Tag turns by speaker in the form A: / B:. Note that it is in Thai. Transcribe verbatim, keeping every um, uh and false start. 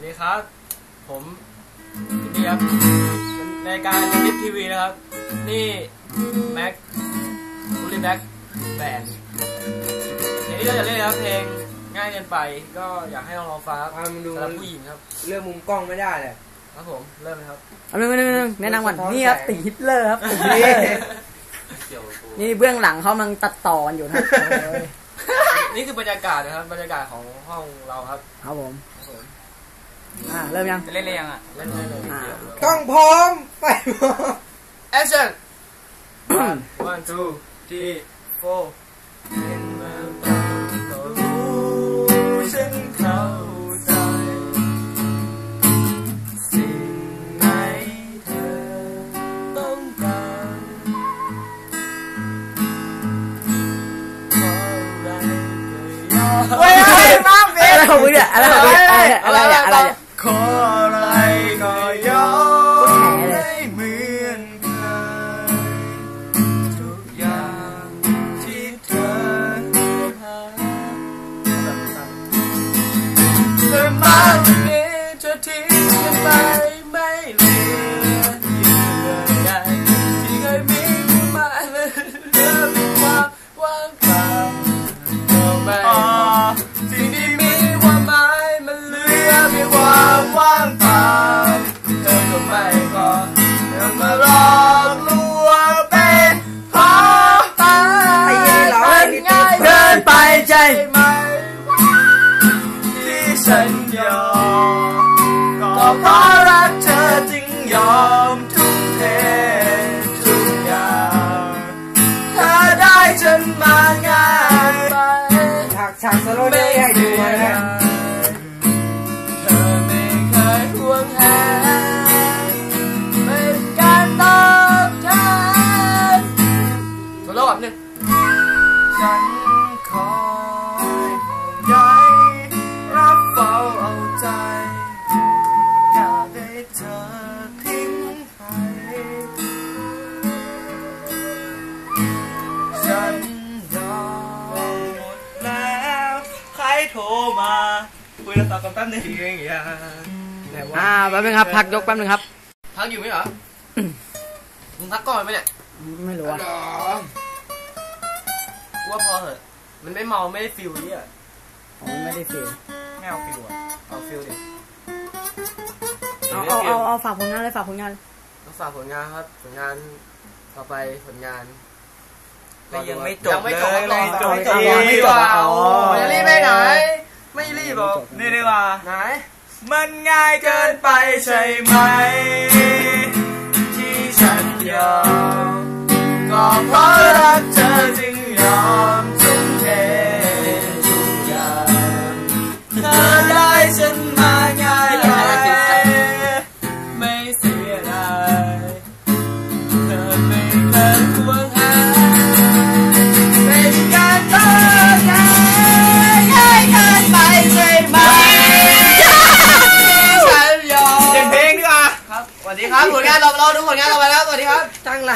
A: ดีครับผมนี่ครับในการดิฟทีวีนะครับนี่แม็กบูลลี่แบ็กแบนด์เพลงที่เราจะเล่นนะครับเพลงง่ายเกินไปก็อยากให้ลองลองฟังครับสำหรับผู้หญิงครับ
B: เลือกมุมกล้องไม่ได้เลย
A: ครับผมเริ่มเลยครับ
C: เอาเรื่องนึงแนะนำก่อนนี่ครับตีฮิตเลอร์ครับนี่เบื้องหลังเขากำลังตัดต่ออยู่นะ
A: นี่คือบรรยากาศนะครับบรรยากาศของห้องเราครับ
C: ครับผมอ่าเริ่มยัง
A: เล่นเลยยังอ่ะเล่นเลย
B: กล้องพร้อมไป
A: แอคชั่น one one two three four เห็นมาบ้างก็รู้ฉันเข้าใจสิ่งไหนเธอต้องการเพราะอะไรก็ยอมเฮ้ยมากเบ
C: อะไรของมึงเนี่ยอะไรของมึงอะไรอะไรอะไร
A: ขออะไรก็ยอมไม่เหมือนเคยทุกอย่างที่เธอหาเธอมาวันนี้เธอทิ้งกันไปไม่เหลือเยื่อใยที่เคยมีมาเลยเหลือเพียงความว่างเปล่าไม่สิ่งที่มีความหมายมันเหลือเพียงความว่างเปล่าเธอก็ไม่พอเธอมาหลอกลวงเป็นเพราะตามันง่ายเกินไปใจไหมที่ฉันยอมก็เพราะรักเธอจึงยอมทุ่มเททุกอย่างเธอได้ฉันมาง่ายไป
B: ฉากฉากสโลว์ได้ให้ดูนะ
A: เธอไม่เคยห่วงแหนเป็นการตอบแทนสโลว์แบบนึงฉันคอยห่วงใยรับเฝ้าเอาใจอยากให้เธอทิ้งให้ฉันยอมหมดแล้วใครโทรมาคุยแล้วตอบกันแป๊บนึงอย่างเงี้ย
C: อ่าแป๊บนึงครับพักยกแป๊บนึงครับ
A: พักอยู่ไหมเหรอมึงพักก่อนไหมเนี่ย
C: ไม่รู้อ่ะ
A: ว่าพอเหอะมันไม่เมาไม่ได้ฟิลนี่อ่ะ
C: อ๋อไม่ได้ฟิล
A: ไม่เอาฟิลอ่ะเอาฟิลดิ
C: เอาเอาเอาเอาฝากผลงานเลยฝากผลงาน
A: ต้องฝากผลงานครับผลงานต่อไปผลงาน
B: ก็ยังไม่จบ
A: ยังไม่จบ
B: เลย
A: ยังไม่จบยังไม่จบอ๋อจะรีบไปไหนไม่รีบหรอก
B: นี่ดีกว่า
A: ไหน
B: มันง่ายเกินไปใช่ไหม
A: ที่ฉันยอมก็เพราะรักเธอจึงยอมทุ่มเททุกอย่างเธอได้ฉันมาง่ายไปไม่เสียดายเธอไม่เคยห่วงหาเป็นการตอบแทนง่ายเกินไปใช่ไหมฉันยอม
B: เปลี่ยนเพลงดีกว่า
A: ครับสวัสดีครับผลงานเราเราดูผลงานเราไปแล้วสวัสดีครับ
B: ตั้งไร